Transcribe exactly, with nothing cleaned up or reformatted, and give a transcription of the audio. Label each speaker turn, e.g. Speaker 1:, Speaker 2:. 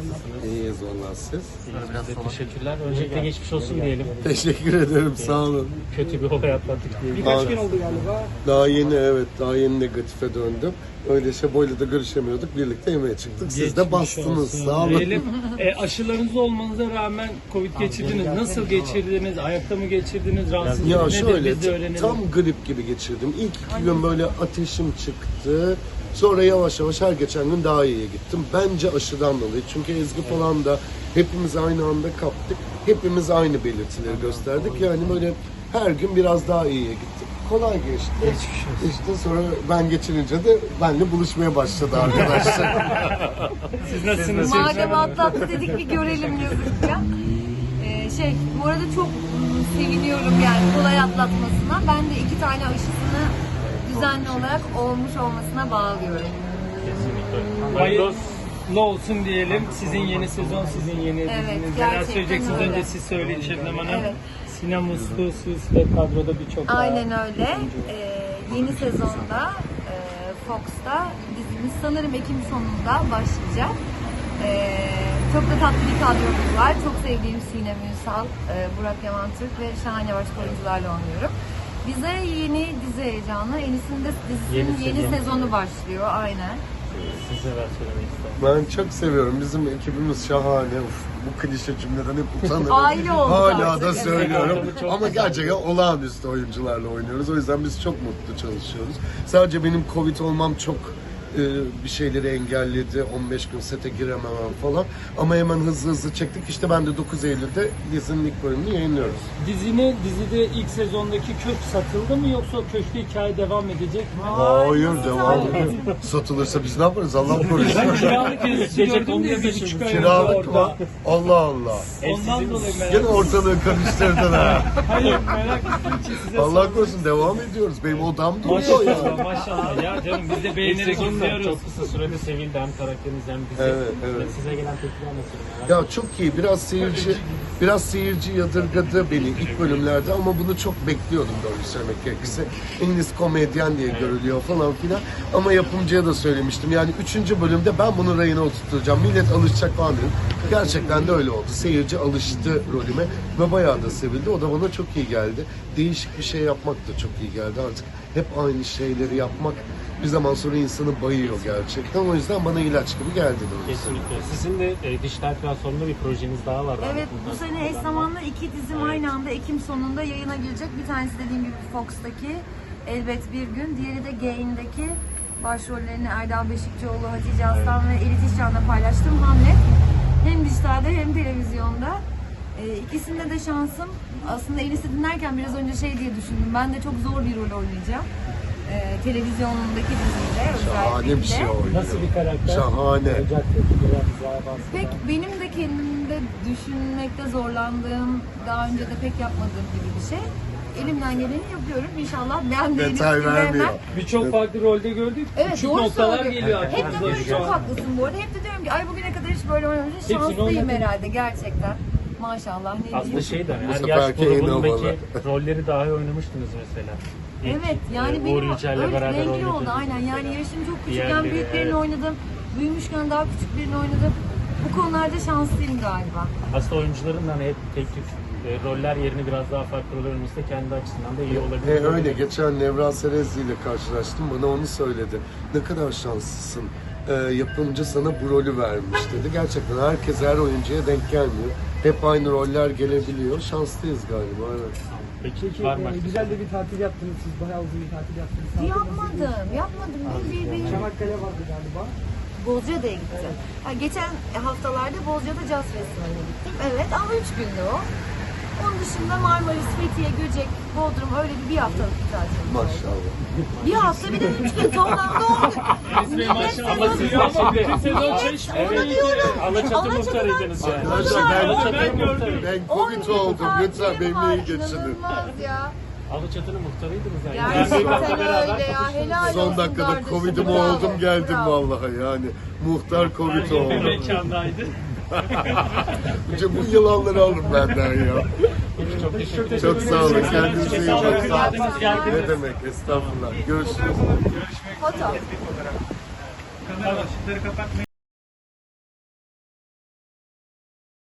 Speaker 1: nasılsınız?
Speaker 2: İyiyiz vallahi siz.
Speaker 1: İyiyiz biz de, teşekkürler. Öncelikle geçmiş olsun diyelim.
Speaker 2: Teşekkür ederim, sağ olun.
Speaker 1: Kötü bir olay atlattık diyelim.
Speaker 3: Birkaç gün oldu galiba.
Speaker 2: Daha yeni, evet, daha yeni negatife döndüm. Öyle Şebo'yla da görüşemiyorduk, birlikte yemeğe çıktık. Siz de
Speaker 1: Geçmiş
Speaker 2: bastınız,
Speaker 1: olsun
Speaker 2: sağ olun.
Speaker 1: diyelim. E, aşılarınız olmanıza rağmen Covid geçirdiniz. Nasıl geçirdiniz? Ayakta mı geçirdiniz? Rahatsızlık
Speaker 2: Ya
Speaker 1: nedir?
Speaker 2: şöyle,
Speaker 1: Biz de öğrenelim.
Speaker 2: tam grip gibi geçirdim. İlk iki gün böyle ateşim çıktı. Sonra yavaş yavaş her geçen gün daha iyiye gittim. Bence aşıdan dolayı. Çünkü Ezgi falan da hepimiz aynı anda kaptık. Hepimiz aynı belirtileri gösterdik. Yani böyle her gün biraz daha iyiye gittik. Kolay geçti. İşte sonra ben geçirince de benimle buluşmaya başladı arkadaşlar.
Speaker 1: Siz nasılsınız?
Speaker 4: Madem atlattı dedik bir görelim yazık ya. Ee, şey, bu arada çok ım, seviniyorum yani kolay atlatmasına. Ben de iki tane aşısını düzenli olarak olmuş olmasına bağlıyorum.
Speaker 1: Kesinlikle. Hayırlı olsun diyelim. Sizin yeni sezon, sizin yeni
Speaker 4: Evet,
Speaker 1: diziniz.
Speaker 4: gerçekten
Speaker 1: Neler söyleyeceksiniz?
Speaker 4: öyle.
Speaker 1: Önce siz söyleyin Şebnem Hanım.
Speaker 4: Evet.
Speaker 1: Sinem Uslu, siz ve kadroda birçok daha.
Speaker 4: Aynen öyle. Ee, yeni sezonda e, Fox'ta dizimiz sanırım Ekim sonunda başlayacak. Ee, çok da tatlı bir kadromuz var. Çok sevdiğim Sinem Ünsal, e, Burak Yaman Türk ve şahane başka oyuncularla oynuyorum. Bize yeni dizi heyecanı. Enis'in de dizisinin
Speaker 1: Yeni
Speaker 4: yeni,
Speaker 1: sezon.
Speaker 4: sezonu başlıyor. Aynen.
Speaker 1: Siz neler söylemek istersiniz?
Speaker 2: Ben çok seviyorum. Bizim ekibimiz şahane. Uf, bu klişe cümleden hep utanırım.
Speaker 4: Aile olduk
Speaker 2: Hala
Speaker 4: artık,
Speaker 2: da
Speaker 4: evet.
Speaker 2: söylüyorum.
Speaker 1: Çok
Speaker 2: Ama
Speaker 1: güzel.
Speaker 2: gerçekten olağanüstü oyuncularla oynuyoruz. O yüzden biz çok mutlu çalışıyoruz. Sadece benim Covid olmam çok e, bir şeyleri engelledi. on beş gün sete girememem falan. Ama hemen hızlı hızlı çektik. İşte ben de dokuz Eylül'de dizinin ilk bölümünü yayınlıyoruz.
Speaker 1: Dizine, dizide ilk sezondaki kök satıldı mı yoksa köşkte hikaye devam edecek mi?
Speaker 2: Hayır, devam ediyor. Satılırsa biz ne yaparız? Allah korusun.
Speaker 1: Ben kiralık dizisi gördüm de bir buçuk ay önce
Speaker 2: Kiralık mı?
Speaker 1: orada.
Speaker 2: Allah Allah.
Speaker 1: Ondan dolayı merak
Speaker 2: Gene ortalığı karıştırdın ha.
Speaker 1: Hayır, merak ettiğim için size
Speaker 2: Allah korusun, devam ediyoruz. Benim odam duruyor ya.
Speaker 1: Maşallah, maşallah. Ya canım biz de beğenerek izliyoruz.
Speaker 5: Çok kısa sürede sevildi hem karakteriniz hem dizi.
Speaker 2: Evet, evet.
Speaker 5: Size gelen tepkiler nasıl?
Speaker 2: Ya çok iyi. Biraz seyirci biraz seyirci yadırgadı beni ilk bölümlerde ama bunu çok bekliyordum doğru söylemek gerekirse. İngiliz komedyen diye görülüyor falan filan. Ama yapımcıya da söylemiştim. Yani üçüncü bölümde ben bunu rayına oturtacağım. Millet alışacak falan dedim. Gerçekten de öyle oldu. Seyirci alıştı rolüme ve bayağı da sevildi. O da bana çok iyi geldi. Değişik bir şey yapmak da çok iyi geldi. Artık hep aynı şeyleri yapmak bir zaman sonra insanı bayıyor gerçekten. O yüzden bana ilaç gibi geldi doğrusu.
Speaker 5: Kesinlikle. Sizin de e, dijital platformda bir projeniz daha var.
Speaker 4: Evet, bu sene eş zamanlı iki dizim aynı anda Ekim sonunda yayına girecek. Bir tanesi dediğim gibi Fox'taki Elbet Bir Gün, diğeri de Gain'deki başrollerini Erdal Beşikçioğlu, Hatice Aslan ve Elit İşcan'la paylaştığım Hamlet. Hem dijitalde hem televizyonda. Ee, ikisinde de şansım. Aslında Elis'i dinlerken biraz önce şey diye düşündüm. Ben de çok zor bir rol oynayacağım. Ee, televizyonundaki diziyle
Speaker 2: Şahane
Speaker 4: özellikle.
Speaker 2: bir şey oynuyor.
Speaker 1: Nasıl bir karakter?
Speaker 2: Şahane.
Speaker 1: Olacak tepkiler bize bahsedin.
Speaker 4: Pek benim de kendimde düşünmekte zorlandığım, daha önce de pek yapmadığım gibi bir şey. Elimden geleni yapıyorum. İnşallah ben de Elis
Speaker 2: Detay
Speaker 4: gibi
Speaker 2: vermiyor.
Speaker 4: hemen-
Speaker 1: Birçok farklı rolde gördük.
Speaker 4: Evet,
Speaker 1: Küçük
Speaker 4: doğru
Speaker 1: noktalar
Speaker 4: söylüyor.
Speaker 1: geliyor
Speaker 4: Hep de
Speaker 1: aklımıza
Speaker 4: böyle
Speaker 1: şu
Speaker 4: çok
Speaker 1: an.
Speaker 4: haklısın bu arada. Hep de diyorum ki ay bugüne kadar hiç böyle oynamışım.
Speaker 1: Hepsini
Speaker 4: Şanslıyım
Speaker 1: oynadın.
Speaker 4: herhalde gerçekten. Maşallah ne
Speaker 5: Aslında
Speaker 4: diyeyim.
Speaker 5: şey de
Speaker 2: Bu
Speaker 5: her yaş
Speaker 2: seferki en
Speaker 5: grubundaki
Speaker 2: havalı.
Speaker 5: rolleri dahi oynamıştınız mesela. İlk,
Speaker 4: Evet yani
Speaker 5: e,
Speaker 4: benim
Speaker 5: Uğur Yücel'le
Speaker 4: öyle
Speaker 5: beraber
Speaker 4: renkli
Speaker 5: oynadığınız
Speaker 4: oldu aynen. Yani yaşım çok küçükken
Speaker 5: Diğerleri,
Speaker 4: büyüklerini
Speaker 5: evet.
Speaker 4: oynadım. Büyümüşken daha küçük birini oynadım. Bu konularda şanslıyım galiba.
Speaker 5: Aslında oyuncuların da hani hep tek tük e, roller yerini biraz daha farklı rol oynaması da kendi açısından da iyi olabilir.
Speaker 2: E, öyle. Geçen Nevra Serezli ile karşılaştım. Bana onu söyledi. Ne kadar şanslısın. E, yapımcı sana bu rolü vermiş dedi. Gerçekten herkes her oyuncuya denk gelmiyor. Hep aynı roller gelebiliyor. Şanslıyız galiba. Evet.
Speaker 5: Peki
Speaker 3: Peki
Speaker 5: var mı?
Speaker 3: e, güzel de bir tatil yaptınız siz. Bayağı uzun bir tatil yaptınız. Tatil nasıl geçti?
Speaker 4: Yapmadım, yapmadım. Bir, bir, bir.
Speaker 3: Çanakkale vardı galiba.
Speaker 4: Bozcaada'ya gittim. Ha, geçen haftalarda Bozcaada Jazz Festivali'ne gittim. Evet ama üç gündü o. Onun dışında Marmaris, Fethiye, Göcek, Bodrum öyle bir, bir haftalık bir tatil.
Speaker 2: Maşallah.
Speaker 4: Bir hafta bir de üç gün toplamda oldu. Millet
Speaker 1: Ama siz
Speaker 4: sezonu-
Speaker 1: ama bütün sezon çeşme.
Speaker 4: Onu diyorum.
Speaker 5: Alaçatı
Speaker 4: Alaçatı'dan
Speaker 5: muhtarıydınız yani.
Speaker 2: Arkadaşlar ben,
Speaker 1: Ben gördüm.
Speaker 2: ben
Speaker 4: on
Speaker 2: Covid
Speaker 4: gün
Speaker 2: oldum. Lütfen
Speaker 4: tatilim
Speaker 2: benimle
Speaker 4: var,
Speaker 2: iyi geçinin.
Speaker 4: İnanılmaz ya.
Speaker 5: Alaçatı'nın muhtarıydınız yani.
Speaker 4: Gerçekten
Speaker 5: Gerçekten beraber
Speaker 4: öyle ya. Helal
Speaker 2: Son
Speaker 4: olsun
Speaker 2: dakikada
Speaker 4: kardeşim,
Speaker 2: Covid'im
Speaker 4: bravo,
Speaker 2: oldum geldim
Speaker 4: bravo.
Speaker 2: vallahi yani. Muhtar Covid
Speaker 1: Bir
Speaker 2: oldu.
Speaker 1: mekandaydı.
Speaker 2: Önce bu yılanları alın benden ya.
Speaker 5: Çok teşekkür ederim.
Speaker 2: Çok sağ olun. Kendinize iyi
Speaker 1: Sağ olun.
Speaker 2: bakın.
Speaker 1: Geldiniz, geldiniz.
Speaker 2: Ne demek? Estağfurullah. Görüşürüz.
Speaker 4: Foto.
Speaker 1: Kamera ışıkları kapatmayın.